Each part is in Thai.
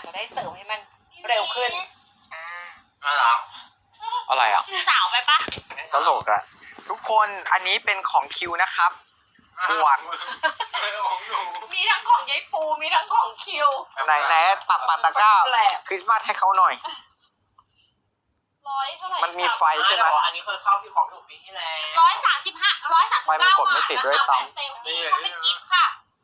จะได้เสิร์ฟให้มันเร็วขึ้นอะไรอะไรอ่ะสาวไปปะตลกอ่ะทุกคนอันนี้เป็นของคิวนะครับหมวกมีทั้งของยายปูมีทั้งของคิวไหนปักตะกร้าคริสต์มาสให้เขาหน่อย 100 เท่าไหร่มันมีไฟใช่ไหมอันนี้เคยเข้าพี่ของถูกปีที่แล้ว 135 139 ไฟมันกดไม่ติดด้วยซ้ำเซลฟี่เขาเป็นกิฟต์ค่ะ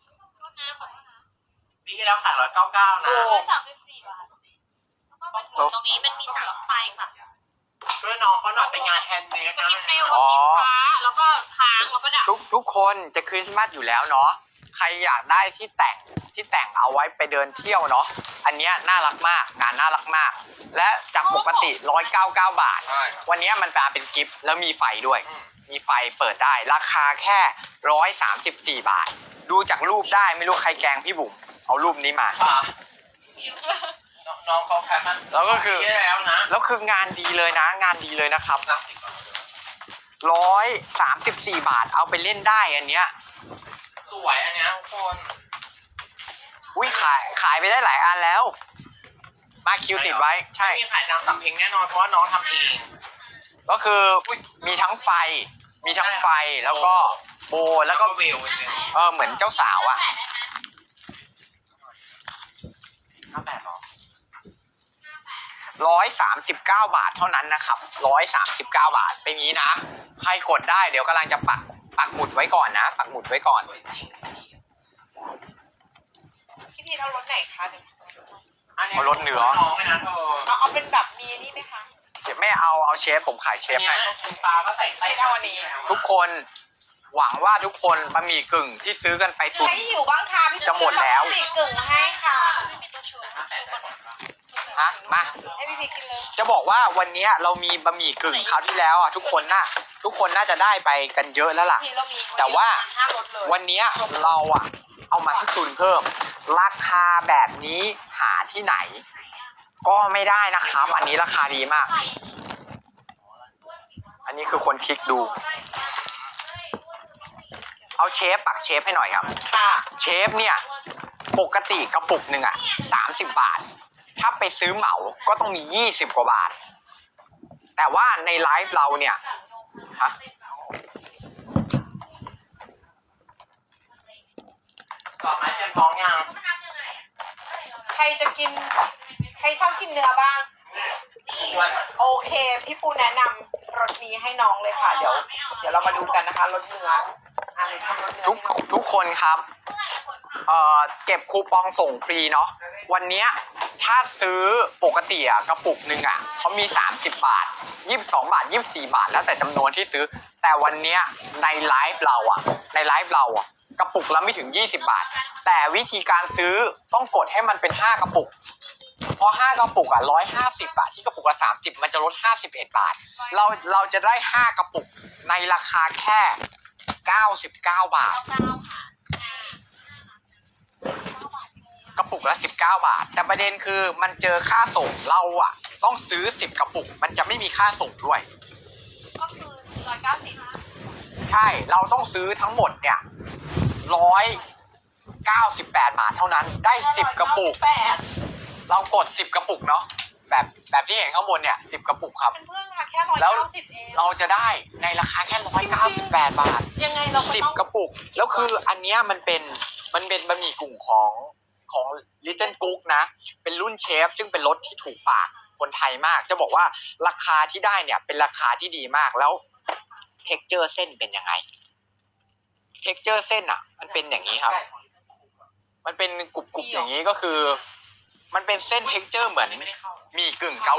ปีที่แล้วขาย199นะ 134 บาทแล้วก็เป็นหมุนตรงนี้มันมี3สไตล์ค่ะช่วยน้องเขาหน่อยเป็นงานแฮนด์เมดนะกิฟต์เร็วกับกิฟต์ช้าแล้วก็ค้างแล้วก็ดับทุกคนจะคริสต์มาสอยู่แล้วเนาะใครอยากได้ที่แต่งเอาไว้ไปเดินเที่ยวเนาะอันเนี้ยน่ารักมากงานน่ารักมากและจากปกติ199 บาทวันนี้มันเป็นกิฟต์แล้วมีไฟด้วยมีไฟเปิดได้ราคาแค่134 บาทดูจากรูปได้ไม่รู้ใครแกล้งพี่บุ๋มเอารูปนี้มาน้องเขาแค่มันแล้วก็คือแล้วนะแล้วคืองานดีเลยนะงานดีเลยนะครับ134 บาทเอาไปเล่นได้อันเนี้ยสวยอันเนี้ยทุกคนอุ้ยขายไปได้หลายอันแล้วมาคิวติดไว้ใช่ไม่มีขายตามสำเพ็งแน่นอนเพราะว่าน้องทำเองก็คือมีทั้งไฟแล้วก็โบแล้วก็เวลเหมือนเจ้าสาวอ่ะ 58หรอ 139 บาทเท่านั้นนะครับ139 บาทเป็นงี้นะใครกดได้เดี๋ยวกำลังจะปักหมุดไว้ก่อนนะปักหมุดไว้ก่อนพี่พีเอารถไหนคะเอารถเหนือน้องนะเธอเอาเป็นแบบมีนี่ไหมคะเดี๋ยวไม่เอาเชฟผมขายเชฟให้คุณตาก็ใส่ไส้เอาวันนี้ทุกคนหวังว่าทุกคนบะหมี่กึ่งที่ซื้อกันไปตุนใครหิวบ้างคะพี่จะหมดแล้วบะหมี่กึ่งให้ค่ะฮะมาให้พี่พีกินเลยจะบอกว่าวันนี้เรามีบะหมี่กึ่งคราวที่แล้วอ่ะทุกคนน่าจะได้ไปกันเยอะแล้วล่ะแต่ว่าวันนี้เราอ่ะเอามาให้ตุนเพิ่มราคาแบบนี้หาที่ไหนก็ไม่ได้นะครับอันนี้ราคาดีมากอันนี้คือคนคลิกดูเอาปักเชฟให้หน่อยครับเชฟเนี่ยปกติกระปุกหนึ่งอ่ะ30 บาทถ้าไปซื้อเหมาก็ต้องมี20 กว่าบาทแต่ว่าในไลฟ์เราเนี่ยฮะต่อมาเตรียมท้องยังใครจะกินใครชอบกินเนื้อบ้างโอเคพี่ปูแนะนำรสนี้ให้น้องเลยค่ะเดี๋ยวเรามาดูกันนะคะรสเนื้อทำรสเนื้อทุกคนครับเก็บคูปองส่งฟรีเนาะวันนี้ถ้าซื้อปกติกระปุกหนึ่งเขามี30 บาท22 บาท24 บาทแล้วแต่จำนวนที่ซื้อแต่วันนี้ในไลฟ์เรากระปุกละไม่ถึง20 บาทแต่วิธีการซื้อต้องกดให้มันเป็น5 กระปุกเพราะ5 กระปุก150 บาทที่กระปุกละ30มันจะลด51 บาทเราจะได้5 กระปุกในราคาแค่99 บาทกระปุกละ19 บาทแต่ประเด็นคือมันเจอค่าส่งเราต้องซื้อ10 กระปุกมันจะไม่มีค่าส่งด้วยก็คือ190 ใช่เราต้องซื้อทั้งหมดเนี่ย198 บาทเท่านั้นได้10 กระปุกเรากด10 กระปุกเนาะแบบที่เห็นข้างบนเนี่ย10 กระปุกครับเพื่อนๆค่ะแค่190เองเราจะได้ในราคาแค่198 บาทยังไงเรา 10 กระปุกแล้วคืออันเนี้ยมันเป็นบะหมี่กึ่งของ Little Cook นะเป็นรุ่นเชฟซึ่งเป็นรสที่ถูกปากคนไทยมากจะบอกว่าราคาที่ได้เนี่ยเป็นราคาที่ดีมากแล้วเท็กเจอร์เส้นเป็นยังไงเท็กเจอร์เส้นมันเป็นอย่างนี้ครับมันเป็นกรุบๆอย่างนี้ก็คือมันเป็นเส้นเท็กเจอร์เหมือนหมี่กึ่งเกา